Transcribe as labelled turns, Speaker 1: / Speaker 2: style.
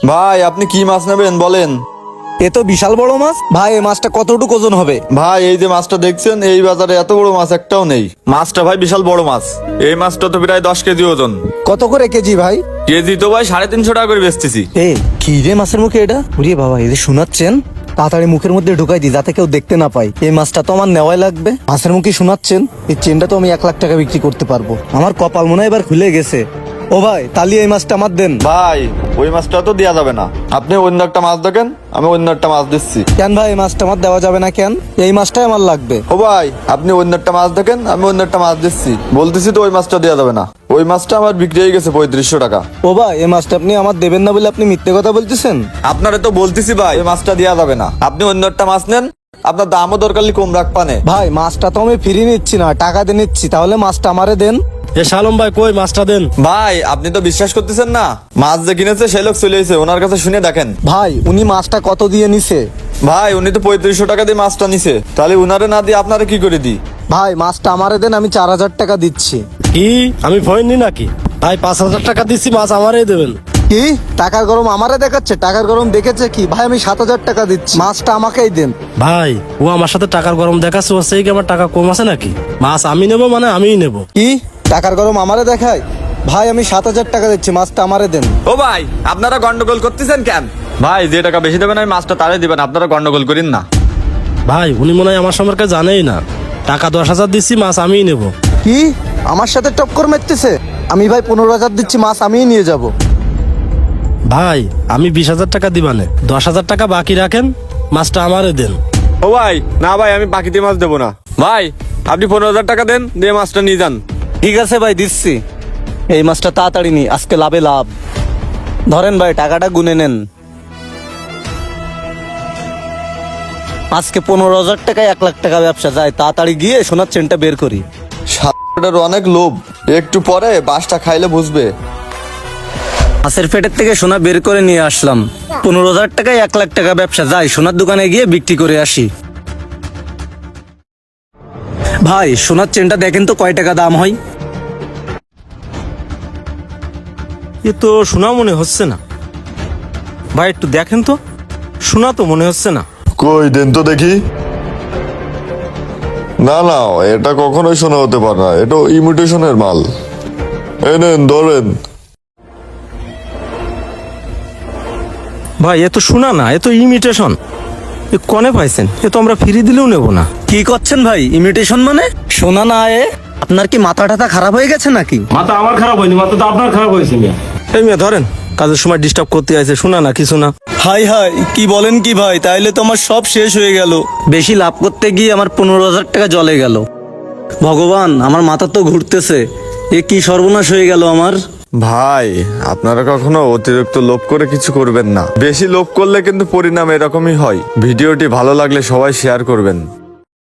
Speaker 1: ভাই আপনি কি মাছ নেবেন বলেন।
Speaker 2: এ তো বিশাল বড় মাছ ভাই, এই মাছটা কতটুকু ওজন হবে?
Speaker 1: ভাই এই যে মাছটা দেখছেন, এই বাজারে এত বড় মাছ একটাও নেই। মাছটা ভাই বিশাল বড় মাছ, এই মাছটা তো প্রায় 10 কেজি ওজন।
Speaker 2: কত করে কেজি ভাই?
Speaker 1: কেজি তো ভাই 350 টাকা করে বেচতেছি।
Speaker 2: এ কি রে মাছের মুখে এটা? উড়িয়ে বাবা, এই যে শোনাচ্ছেন, তাড়াতাড়ি মুখের মধ্যে ঢুকাই দি যাতে কেউ দেখতে না পায়। এই মাছটা তো আমার নেওয়াই লাগবে। মাছের মুখে শোনাচ্ছেন, এই চেনটা তো আমি 1 লাখ টাকা বিক্রি করতে পারবো। আমার কপাল মনে হয় এবার খুলে গেছে। ও ভাই, তাহলে এই মাছটা আমার দেন।
Speaker 1: ভাই ওই মাছটা তো দেওয়া যাবে না, আপনি অন্য একটা মাছ দেখেন, আমি অন্য একটা মাছ দিচ্ছি।
Speaker 2: কেন ভাই, এই মাছটা আমার দেওয়া যাবে না কেন? এই মাছটাই আমার লাগবে।
Speaker 1: ও ভাই আপনি অন্য একটা মাছ দেখেন, আমি অন্য একটা মাছ দিচ্ছি, বলতেছি তো ওই মাছটা দেওয়া যাবে না। ওই মাছটা আমার বিক্রি হয়ে গেছে 3500 টাকা।
Speaker 2: ও ভাই, এই মাছটা আপনি আমার দেবেন না বলে আপনি মিথ্যে কথা বলতেছেন।
Speaker 1: আপনারে তো বলতেছি ভাই ওই মাছটা দেওয়া যাবে না, আপনি অন্য একটা মাছ নেন, আপনার দামও দরকার হলে কম রাখ পানে।
Speaker 2: ভাই মাছটা তো আমি ফ্রি নিচ্ছি না, টাকা দিয়ে নিচ্ছি, তাহলে মাছটা আমারে দেন।
Speaker 3: এ শালম ভাই, কই মাছটা দেন।
Speaker 1: ভাই আপনি তো বিশ্বাস করতেছেন না, মাছ যে কিনেছে সেই লোক চলে এসেছে, ওনার কাছে শুনে দেখেন।
Speaker 2: ভাই উনি মাছটা কত দিয়ে নিছে?
Speaker 1: ভাই উনি তো 3500 টাকা দিয়ে মাছটা নিছে, তাহলে উনারে না দিয়ে আপনারা কি করে দিই?
Speaker 2: ভাই মাছটা আমারে দেন, আমি 4000 টাকা দিচ্ছি।
Speaker 3: কি আমি ফোন নি নাকি? ভাই 5000 টাকা দিচ্ছি, মাছ আমারই দেবেন।
Speaker 2: কি টাকার গরম আমারে দেখাচ্ছে? টাকার গরম দেখেছে কি ভাই? আমি 7000 টাকা দিচ্ছি, মাছটা আমাকেই দেন।
Speaker 3: ভাই ও আমার সাথে টাকার গরম দেখাচ্ছে, ও সেই কি আমার টাকা কম আছে নাকি? মাছ আমি নেবো মানে আমিই নেবো।
Speaker 2: কি টাকার গরম আমারে দেখায়? ভাই আমি 7000 টাকা দিচ্ছি, মাছটা আমারে দেন।
Speaker 1: ও ভাই আপনারা গন্ডগোল করতেছেন কেন? ভাই যে টাকা বেশি দেবেন আমি মাছটা তারে দিবেন, আপনারা গন্ডগোল করেন না।
Speaker 3: ভাই উনি মনে হয় আমার সম্পর্কে জানেই না, টাকা 10,000 দিচ্ছি, মাছ আমিই নেবো।
Speaker 2: কি আমার সাথে টক্কর মারতেছে? আমি ভাই 15000 দিচ্ছি, মাছ আমিই নিয়ে যাব।
Speaker 3: ভাই আমি 20,000 টাকা দিবানে, 10,000 টাকা বাকি রাখেন, মাছটা আমারে দেন।
Speaker 1: ও ভাই না ভাই, আমি বাকিতে মাছ দেবো না। ভাই আপনি 15,000 টাকা দেন, দিয়ে মাছটা নিয়ে যান।
Speaker 2: ঠিক আছে ভাই দিচ্ছি। এই মাছটা তাড়াতাড়ি নি, আজকে লাভে লাভ। ধরেন ভাই টাকাটা গুনে নেন। আজকে 15,000 টাকায় 1 লাখ টাকা ব্যবসা যায়। তাড়াতাড়ি গিয়ে সোনার চেনটা বের করি।
Speaker 1: সাদাটার অনেক লোভ, একটু পরে বাসটা খাইলে বুঝবে।
Speaker 2: মাছের পেটের থেকে সোনা বের করে নিয়ে আসলাম। 15,000 টাকায় 1 লাখ টাকা ব্যবসা যায়। সোনার দোকানে গিয়ে বিক্রি করে আসি। ভাই সোনার চেনটা দেখেন তো কয় টাকা দাম হয়?
Speaker 4: এ তো শোনা মনে হচ্ছে না ভাই, একটু দেখেন তো, শোনা তো মনে হচ্ছে না।
Speaker 5: কই দেন তো দেখি। না না, এটা কখনোই শোনা হতে পারে না, এটা ইমিটেশনের মাল। এই নেন ধরেন।
Speaker 4: ভাই এ তো শোনা না, এ তো ইমিটেশন। এ কনে পাইছেন? এ তো আমরা ফ্রি দিলেও নেব না।
Speaker 2: কি করছেন ভাই? ইমিটেশন মানে? সোনা না এ? আপনার কি মাথা টাথা খারাপ হয়ে গেছে নাকি?
Speaker 3: মাথা আমার খারাপ হয়নি, মাথা তো আপনার খারাপ হয়েছে।
Speaker 4: এই মেয়ে ধরেন, কাজের সময় ডিস্টার্ব করতে আছে, শোনা না কিছু না।
Speaker 2: হাই হাই, কি বলেন কি ভাই? তাইলে তো আমার সব শেষ হয়ে গেল। বেশি লাভ করতে গিয়ে আমার 15,000 টাকা জলে গেল। ভগবান, আমার মাথা তো ঘুরতেছে। এ কি সর্বনাশ হয়ে গেল আমার।
Speaker 1: ভাই আপনারা কখনো অতিরিক্ত লোভ করে কিছু করবেন না, বেশি লোভ করলে কিন্তু পরিণাম এরকমই হয়। ভিডিওটি ভালো লাগলে সবাই শেয়ার করবেন।